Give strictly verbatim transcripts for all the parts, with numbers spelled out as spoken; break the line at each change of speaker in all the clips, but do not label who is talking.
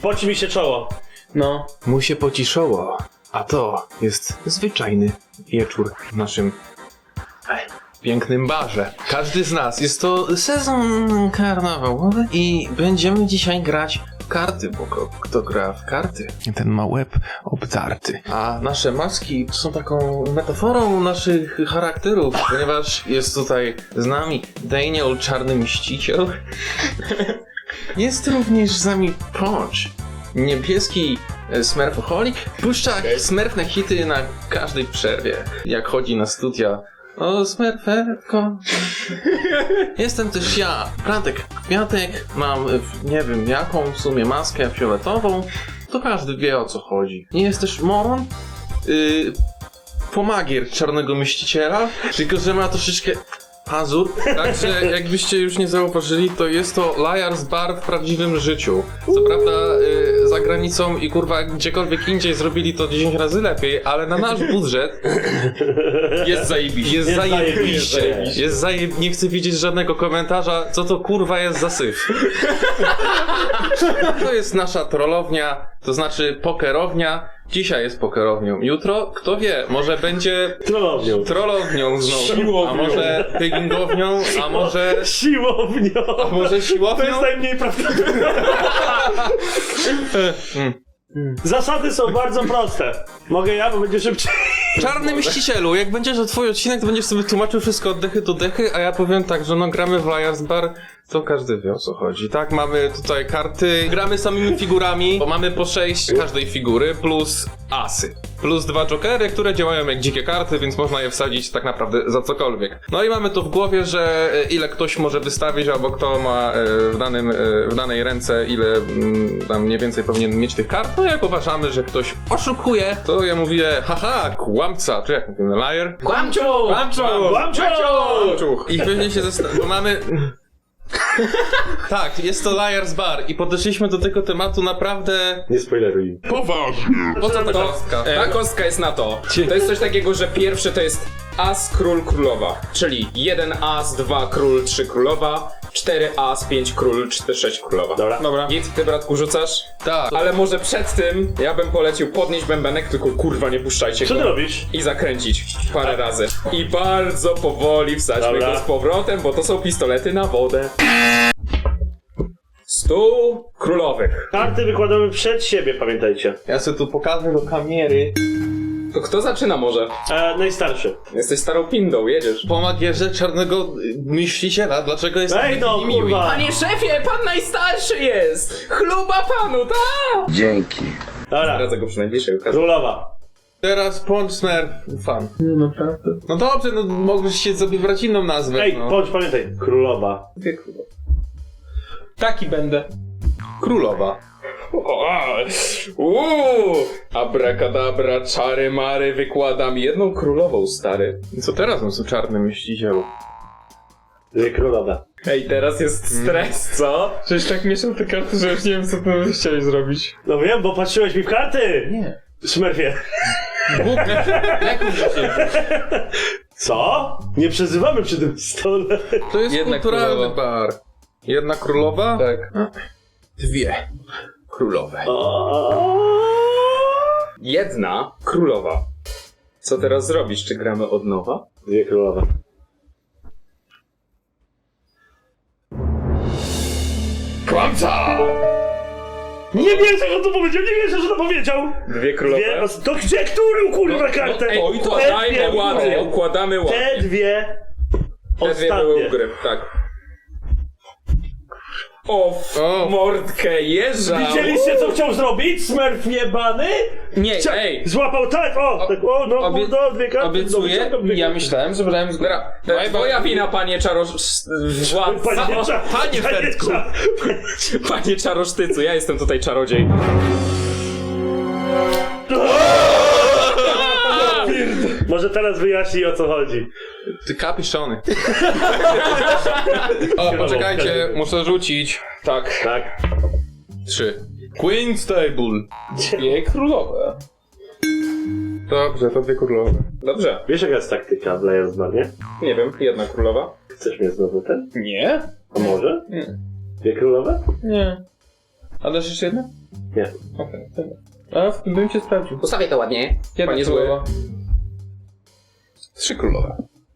Poci mi się czoło.
No.
Mu się poci czoło, a to jest zwyczajny wieczór w naszym pięknym barze. Każdy z nas, jest to sezon karnawałowy i będziemy dzisiaj grać w karty, bo kto, kto gra w karty, ten ma łeb obdarty. A nasze maski są taką metaforą naszych charakterów, ponieważ jest tutaj z nami Daniel, czarny mściciel. Jest również z nami Punch, niebieski smurfoholik. Puszcza smurfne hity na każdej przerwie, jak chodzi na studia. O, smurferko. Jestem też ja, Frantek Kwiatek. Mam, nie wiem jaką w sumie maskę fioletową. To każdy wie, o co chodzi. Jest też Moron, yy, pomagier czarnego myśliciela, tylko że ma troszeczkę pazur. Także jakbyście już nie zauważyli, to jest to Liar's Bar w prawdziwym życiu. Co prawda yy, za granicą i kurwa gdziekolwiek indziej zrobili to dziesięć razy lepiej, ale na nasz budżet
Jest zajebiście.
jest
Jest
zajebiście.
zajebiście.
Jest zajeb... Nie chcę widzieć żadnego komentarza, co to kurwa jest za syf. To jest nasza trollownia, to znaczy pokerownia. Dzisiaj jest pokerownią. Jutro, kto wie, może będzie
Trollownią.
trollownią znowu.
Siłownią.
A może piggingownią, a może...
Siłownią.
A może
To
siłownią?
jest najmniej prawdopodobne. Zasady są bardzo proste. Mogę ja, bo będzie szybciej.
Czarny mścicielu, jak będziesz o twój odcinek, to będziesz sobie tłumaczył wszystko od dechy do dechy, a ja powiem tak, że no gramy w Liar's Bar, to każdy wie, o co chodzi. Tak, mamy tutaj karty, gramy samymi figurami, bo mamy po sześć każdej figury, plus asy. Plus dwa jokery, które działają jak dzikie karty, więc można je wsadzić tak naprawdę za cokolwiek. No i mamy to w głowie, że ile ktoś może wystawić, albo kto ma w, danym, w danej ręce, ile tam mniej więcej powinien mieć tych kart. No jak uważamy, że ktoś oszukuje, to ja mówię, haha, kłamca, czy jak mówimy, liar?
Kłamczu!
Kłamczu!
Kłamczu!
Kłamczu! I pewnie się zastanawiamy, bo mamy... Tak, jest to Liar's Bar i podeszliśmy do tego tematu naprawdę...
Nie spoileruj.
Po co ta
To,
kostka?
e, ta kostka jest na to. To jest coś takiego, że pierwszy to jest as, król, królowa. Czyli jeden as, dwa król, trzy królowa, cztery as, pięć król, cztery, sześć królowa.
Dobra.
Dobra.
Git, ty bratku rzucasz?
Tak.
Ale może przed tym ja bym polecił podnieść bębenek, tylko kurwa nie puszczajcie
Co
go.
ty robisz?
I zakręcić parę razy. I bardzo powoli wsadźmy
Dobra.
go z powrotem, bo to są pistolety na wodę. Stół królowych.
Karty wykładamy przed siebie, pamiętajcie.
Ja sobie tu pokażę do kamery.
To kto zaczyna może?
E, najstarszy.
Jesteś starą pindą, jedziesz.
Po magierze czarnego y, myśliciela, dlaczego jest
Ej no,
taki miły?
kurwa!
Panie szefie, pan najstarszy jest! Chluba panu, tak!
Dzięki.
Dobra,
Radzę go przy najbliższej okazji.
królowa.
Teraz Punch Smurf fan. No naprawdę. No dobrze, no możesz się sobie wybrać inną nazwę.
Ej,
no.
bądź, pamiętaj, królowa.
Taki będę. Królowa.
Uuu, abracadabra, czary mary, wykładam jedną królową, stary.
I co teraz on są czarny myślicielu?
Dwie królowe.
Ej, teraz jest stres, co? Przecież tak mieszam te karty, że już nie wiem, co ty chciałeś zrobić.
No wiem, bo patrzyłeś mi w karty!
Nie.
Smurfie.
Jak się...
Co? Nie przezywamy przy tym stole.
To jest
Jedna
kulturalny
królowa.
bar. Jedna królowa?
Tak.
Dwie królowe.
Jedna królowa. Co teraz zrobisz? Czy gramy od nowa?
Dwie królowe.
Kłamca!
Nie wierzę, że to powiedział, nie wierzę, że to powiedział!
Dwie królowe.
Dwie, os- to gdzie, którą kurwa kartę?
Ej, oj, to
Te
dajmy
dwie-
ładnie, układamy ładnie.
Te dwie
Te dwie były u
ostatnie.
gry, tak. O, w
O.
mordkę jeża!
Widzieliście, co chciał zrobić? Smurf jebany?
Nie,
Chcia-
ej!
Złapał tak, o, tak, o, no,
obie-
no, dwie karty.
Obiecuję,
no, wyciągam dwie
ja
karty.
myślałem, że brałem z Dobra, to jest twoja wina, panie czarosz... Władca.
Panie, cza-
Panie Fertku.
cza-
Panie czarosztycu, ja jestem tutaj czarodziej.
Może teraz wyjaśnij, o co chodzi.
Ty kapiszony. O, poczekajcie, muszę rzucić.
Tak.
Tak.
Trzy. Queen's Table.
Dwie królowe.
Dobrze, to dwie królowe.
Dobrze.
Wiesz, jaka jest taktyka w Liar's Bar, nie?
Nie wiem, jedna królowa.
Chcesz mnie znowu ten?
Nie?
A może?
Nie.
Dwie królowe?
Nie. A dasz jeszcze jedno?
Nie.
Okej. A bym cię sprawdził.
Postawię to ładnie.
Jedna
Panie zły.
królowa. Trzy królowe.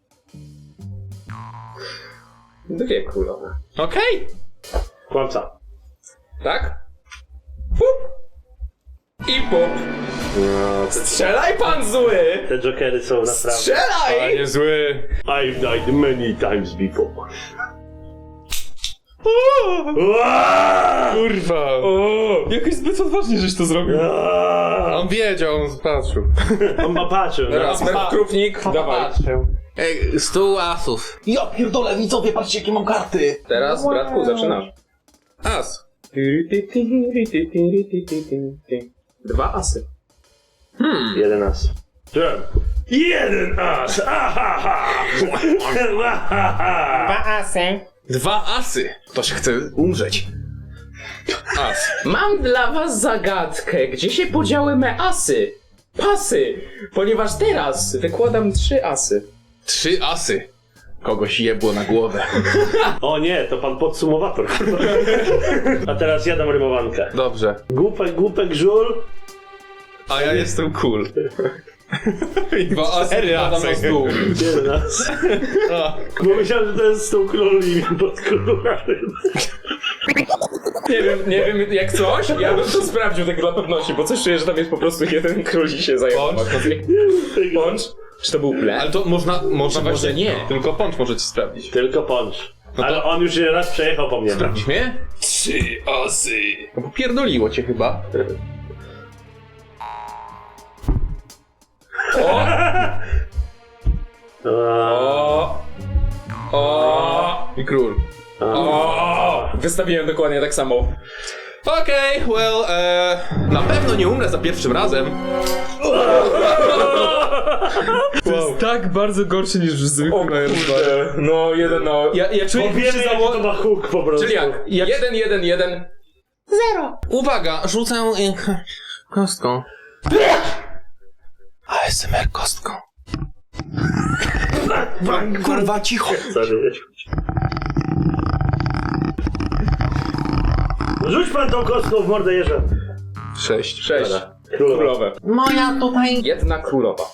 Dwie królowe.
Okej.
Kłamca.
Tak? Pup. I pup.
No, te,
Strzelaj, pan zły!
te jokery są naprawdę...
Strzelaj!
Panie zły.
I've died many times before. Uaaaa!
Kurwa.
O!
Jakoś zbyt odważnie, żeś to zrobił.
Uaaaa!
On wiedział, on patrzył.
On ma patrzył. No.
Rasper Krupnik, dawaj.
Ej, stół asów. Ja pierdolę, widzowie, patrzcie jakie mam karty.
Teraz, bratku, zaczynasz.
As.
Dwa asy.
Hmm.
Jeden as. Jeden as! Ahaha! Ahaha!
asy.
Dwa asy. Ktoś chce umrzeć. As.
Mam dla was zagadkę. Gdzie się podziały me asy? Pasy! Ponieważ teraz wykładam trzy asy.
Trzy asy. Kogoś jebło na głowę.
O nie, to pan podsumowator. A teraz ja dam rymowankę.
Dobrze.
Głupek, głupek, żul.
A ja jestem cool. I dwa asy
wkładam na stół.
Jeden as.
A.
Bo myślałem, że to jest z tą króli pod kolorem.
Nie wiem, nie wiem jak coś, ja bym to sprawdził tak dla pewności, bo coś czuję, że tam jest po prostu jeden król i się zajmował. Pącz? Czy to był plan?
Ale to można, można
Czy może
właśnie...
nie?
Tylko Pącz możecie sprawdzić.
Tylko punch.
No to-
Ale on już raz przejechał po mnie.
Sprawdzisz mnie? Trzy asy. No bo pierdoliło cię chyba.
O! O!
I król.
O! Wystawiłem dokładnie tak samo.
Okej, okay, well, e, na pewno nie umrę za pierwszym razem. To jest tak bardzo gorsze niż w zwykłym
Kurde. No, jeden no.
Ja, ja czuję,
Bo wiemy, jaki to ma hook po prostu.
Czyli jak?
Jak-
Jeden, jeden, jeden.
Uwaga, rzucę e, kostką. A S M R kostką. Kurwa, cicho.
Sorry. Rzuć pan tą kostką w mordę jeża.
Sześć.
Sześć.
Królowa.
Królowe.
Moja tutaj.
Jedna królowa.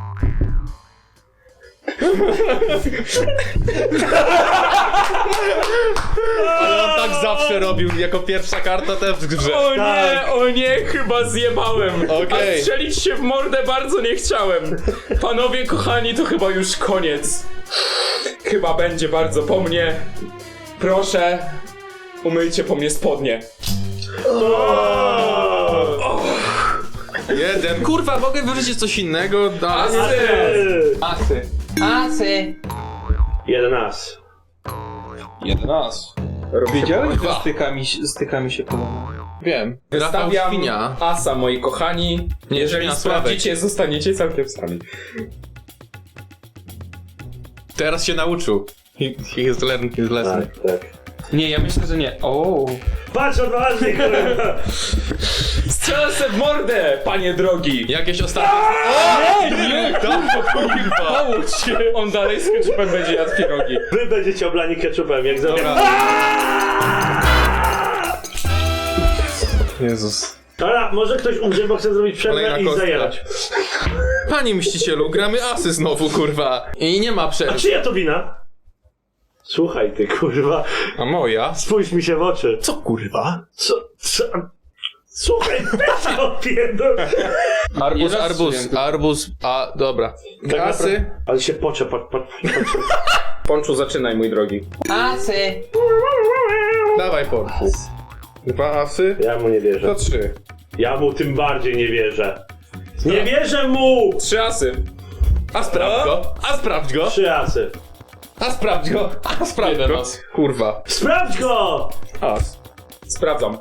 Ale on tak zawsze robił, jako pierwsza karta też w grze.
O
Tak.
nie, o nie, chyba zjebałem.
Okej.
A strzelić się w mordę bardzo nie chciałem. Panowie kochani, to chyba już koniec. Chyba będzie bardzo po mnie. Proszę, umyjcie po mnie spodnie.
Jeden. Kurwa, mogę wyrzucić coś innego? Da.
Asy!
Asy. Asy.
Jeden as.
Jeden as.
Wiedziałeś,
Dwa.
Stykami, stykami się kolana.
Wiem. Rafał
Wystawiam
Świnia.
asa, moi kochani.
Nie,
Jeżeli
Świnia
sprawdzicie, zostaniecie całkiem sami.
Teraz się nauczył. He, he has learned his lesson.
Tak, tak.
Nie, ja myślę, że nie. O.
Patrz, odważnie, kurwa.
Strzelę se w mordę, panie drogi!
Jakieś ostatnie...
Nie, nie, kurwa! On dalej z ketchupem będzie jadł pierogi.
Wy będziecie oblani ketchupem, jak zawsze.
Jezus.
Dobra, może ktoś umrze, bo chce zrobić przerwę
Kolejna
i
kostka.
zajerać.
Panie mścicielu, gramy asy znowu, kurwa. I nie ma
A
przerwy.
czyja to wina? Słuchaj ty, kurwa.
A moja?
Spójrz mi się w oczy.
Co kurwa?
Co? Co? Słuchaj, weź go odpierdol.
Arbuz,
raz
arbuz,
przyjęty.
arbuz, a dobra.
Tak
Asy.
naprawdę- Ale się pocze, po, po, po,
Ponczu, zaczynaj, mój drogi.
Asy. Dawaj porku. Dwa asy.
Ja mu nie
To
wierzę.
trzy.
Ja mu tym bardziej nie wierzę. Nie wierzę mu!
Trzy asy.
A sprawdź go. A sprawdź go.
Trzy asy.
A sprawdź go. A sprawdź
Jeden
go.
as.
Kurwa.
Sprawdź go!
As.
Sprawdzam.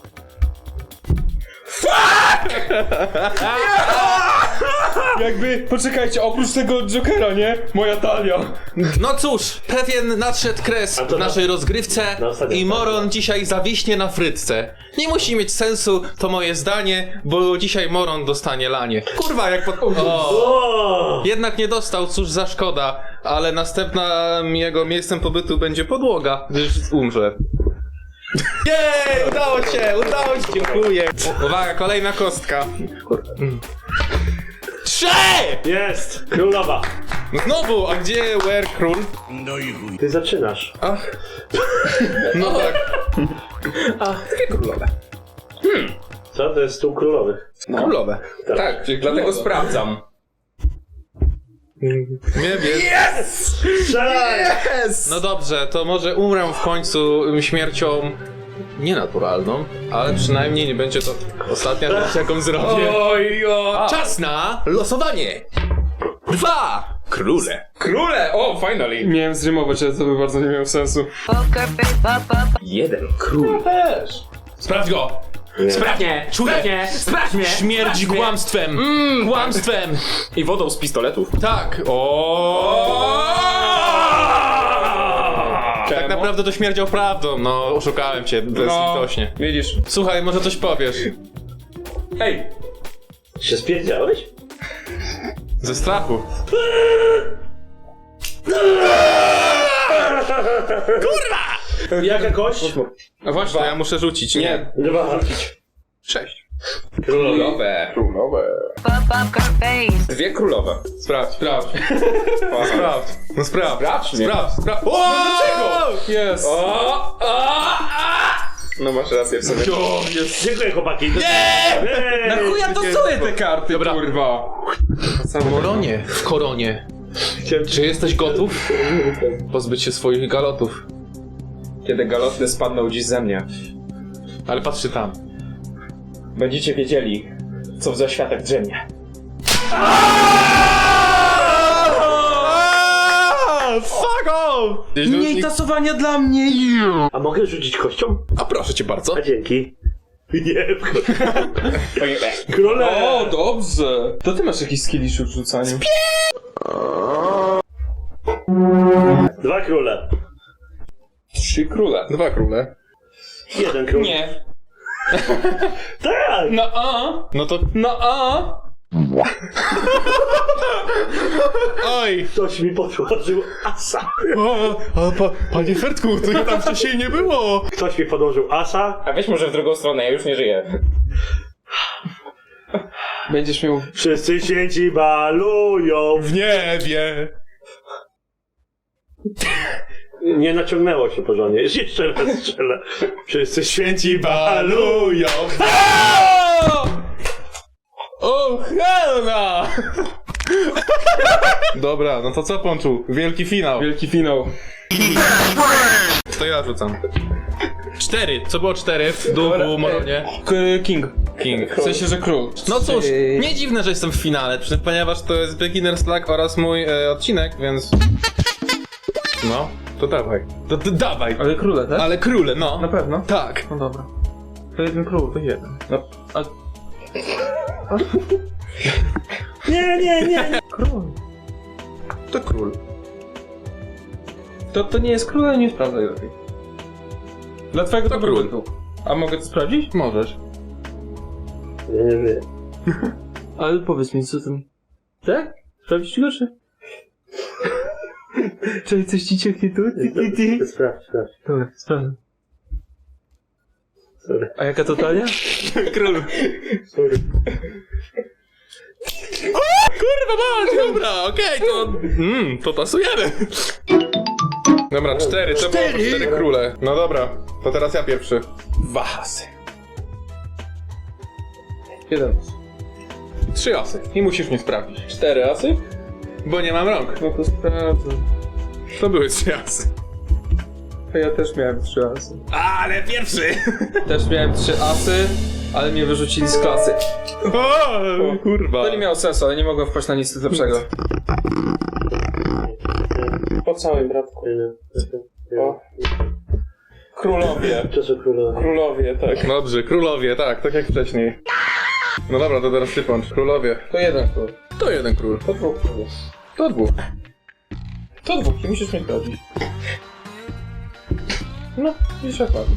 Jakby, poczekajcie, oprócz tego Jokera, nie? Moja talia.
No cóż, pewien nadszedł kres
A to
w
na-
naszej rozgrywce
na ostatnią
i Moron
stronę.
dzisiaj zawiśnie na frytce. Nie musi mieć sensu, to moje zdanie, bo dzisiaj Moron dostanie lanie. Kurwa, jak pod... O.
O!
Jednak nie dostał, cóż za szkoda, ale następnym jego miejscem pobytu będzie podłoga, gdyż umrze. Jej, udało się, udało się, dziękuję. Uwaga, kolejna kostka. Trzy!
Jest! Królowa.
Znowu, a gdzie where król?
Ty zaczynasz.
Ach. No tak.
Dwie królowe.
Co? To jest stół królowych.
Królowe.
Tak, dlatego sprawdzam.
Nie wiem.
Yes!
Strzelaj!
Yes!
No dobrze, to może umrę w końcu śmiercią nienaturalną, ale przynajmniej nie będzie to ostatnia rzecz, jaką zrobię.
Oj, oj.
Czas na losowanie! Dwa króle.
Króle! O, finally!
Miałem zrymować, ale to by bardzo nie miało sensu.
Jeden król.
Też. Sprawdź go!
Sprawdź mnie! Sprawdź mnie! Sprawdź mnie!
Śmierć
Sprawdź mnie.
kłamstwem! Mmm, kłamstwem!
I wodą z pistoletów.
Tak! O. Tak naprawdę to śmierdział prawdą, no oszukałem cię bezlitośnie.
Widzisz.
Słuchaj, może coś powiesz.
Ej!
Się spierdziałeś?
Ze strachu.
Jaka kość?
No właśnie, to ja muszę rzucić.
Nie.
Dwa.
Sześć.
Królowe.
Królowe.
Dwie królowe.
Sprawdź, sprawdź. Sprawdź. No sprawdź.
Sprawdź mnie.
Sprawdź, sprawdź. O,
dlaczego?
Jest.
O, o, a. No masz rację w sobie.
O, jest.
Dziękuję chłopaki.
Nie!
Na chuj ja dostaję te karty,
Dobra.
kurwa.
W koronie. W koronie. Czy jesteś gotów? Pozbyć się swoich galotów.
Kiedy galoty spadną dziś ze mnie,
Ale patrzy tam.
będziecie wiedzieli, co w zaświatach drzemie.
Fuck off!
Mniej tasowania dla mnie.
A mogę rzucić kością?
A proszę cię bardzo.
A dzięki. Nie, króle.
O, dobrze. To ty masz jakiś skillish w rzucaniu.
Dwa króle.
Trzy króle.
Dwa króle.
Jeden król.
Nie.
Tak!
No a,
No to...
no a.
Oj!
Ktoś mi podłożył asa.
O, a pa, panie Fertku, to ja tam wcześniej nie było!
Ktoś mi podłożył asa.
A weź może w drugą stronę, ja już nie żyję.
Będziesz miał...
Wszyscy święci balują.
W niebie!
Nie naciągnęło się porządnie. Jeszcze raz strzelę. Wszyscy święci balują.
O, helna! Dobra, no to co, Pączu? Wielki finał.
Wielki finał.
To ja rzucam. Cztery. Co było cztery w duchu Moronie?
K King.
King.
W sensie, że król.
No cóż, nie dziwne, że jestem w finale, przy- ponieważ to jest Beginner's Luck oraz mój e, odcinek, więc... No, to dawaj. To, to dawaj.
Ale króle, tak?
Ale króle, no.
Na pewno?
Tak.
No dobra. To jeden król, to jeden. No, a...
Nie, nie, nie.
Król.
To król.
To, to nie jest król, ale nie sprawdzaj lepiej. Dla twojego
To
dobrobytu. A mogę to sprawdzić?
Możesz.
Nie, nie, nie.
Ale powiedz mi, co tam... Tak? Sprawdzić go, czy... Czy coś ci cieknie tu? Ty, ty, ty.
Sprawdź, sprawdź.
Dobra, sprawdzę.
Sorry.
A jaka to talia?
Król.
Sorry.
Kurwa mać, dobra, okej, to... Mmm, to tasujemy. Dobra, cztery, to było cztery króle. No dobra, to teraz ja pierwszy. Dwa asy.
Jeden.
Trzy asy. I musisz mnie sprawdzić.
Cztery asy?
Bo nie mam rąk.
No to sprawdzę.
To były trzy asy.
A ja też miałem trzy asy.
Ale pierwszy!
Też miałem trzy asy, ale mnie wyrzucili z klasy.
O, kurwa.
To nie miało sensu, ale nie mogłem wpaść na nic lepszego. Po całym bratku. O. Królowie.
To są królowe.
Królowie, tak.
Dobrze, królowie, tak, tak jak wcześniej. No dobra, to teraz ty Pącz. Królowie.
To jeden król.
To jeden król.
To dwóch królów.
To dwóch.
To dwóch, nie musisz mnie sprawdzić. No, widzisz jak ładnie.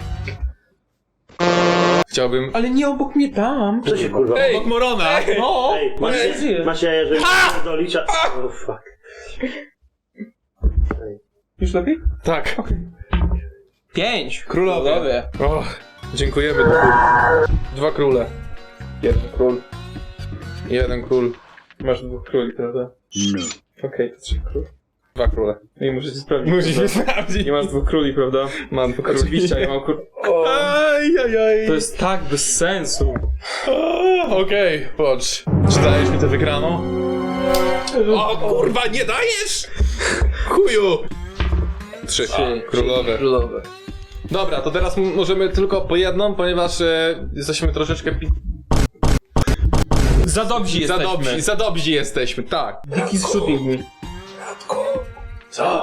Chciałbym...
Ale nie obok mnie tam.
Co się kurwa?
Obok Morona!
No,
Ej, masz,
nie żyje.
masz jaja, że do licza. Oh fuck.
Już lepiej?
Tak.
Pięć.
Królowie. O, dziękujemy. Dwa króle. Jeden król. Jeden król.
Masz dwóch króli, prawda?
No.
Okej, to trzech króli.
Dwa króle.
No i musicie sprawdzić.
Musisz
prawda?
sprawdzić.
Nie masz dwóch króli, prawda?
Mam dwa króli.
Oczywiście, ja mam król.
Aj, aj, aj.
To jest tak bez sensu.
O, Okej, patrz. Czy dajesz mi tę wygraną? O kurwa, nie dajesz! Chuju! Trzy. Królowe.
Królowe.
Dobra, to teraz m- możemy tylko po jedną, ponieważ e, jesteśmy troszeczkę pi-
Za dobrzy
za
jesteśmy.
dobrzy, za dobrzy jesteśmy, tak.
Diki shooting me.
Co?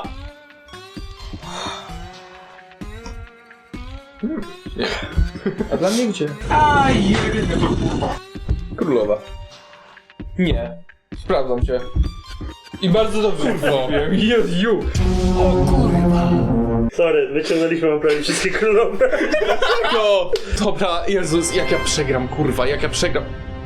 A dla mnie gdzie?
Królowa.
Nie.
Sprawdzam cię.
I bardzo dobrze powiem. Jezu.
Sorry, wyciągnęliśmy wam prawie wszystkie królowe.
No! Dobra, Jezus, jak ja przegram, kurwa, jak ja przegram.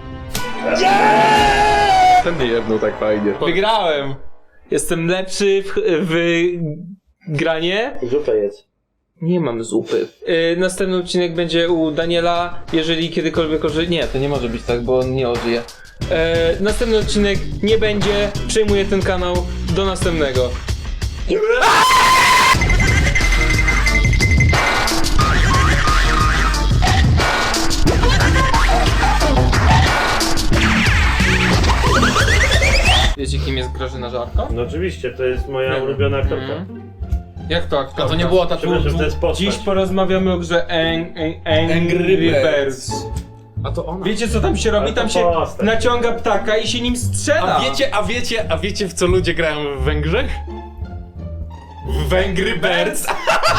Ten nie jedną tak fajnie.
Wygrałem. Jestem lepszy w, w granie.
Zupę jedz.
Nie mam zupy. Yy, następny odcinek będzie u Daniela, jeżeli kiedykolwiek ożyje. Nie, to nie może być tak, bo on nie ożyje. Yy, następny odcinek nie będzie. Przejmuję ten kanał. Do następnego. Wiecie, kim jest Grażyna Żarko?
No oczywiście, to jest moja ulubiona aktorka.
Jak to aktorka?
A to nie była ta
Przepraszam, to jest postać.
Dziś porozmawiamy o grze Ang- Ang- Angry
Angry
Birds.
A to ona.
Wiecie co tam się robi?
Ale to
Tam się
postać.
naciąga ptaka i się nim strzela.
A wiecie, a wiecie, a wiecie w co ludzie grają w Węgrzech? W Angry Birds!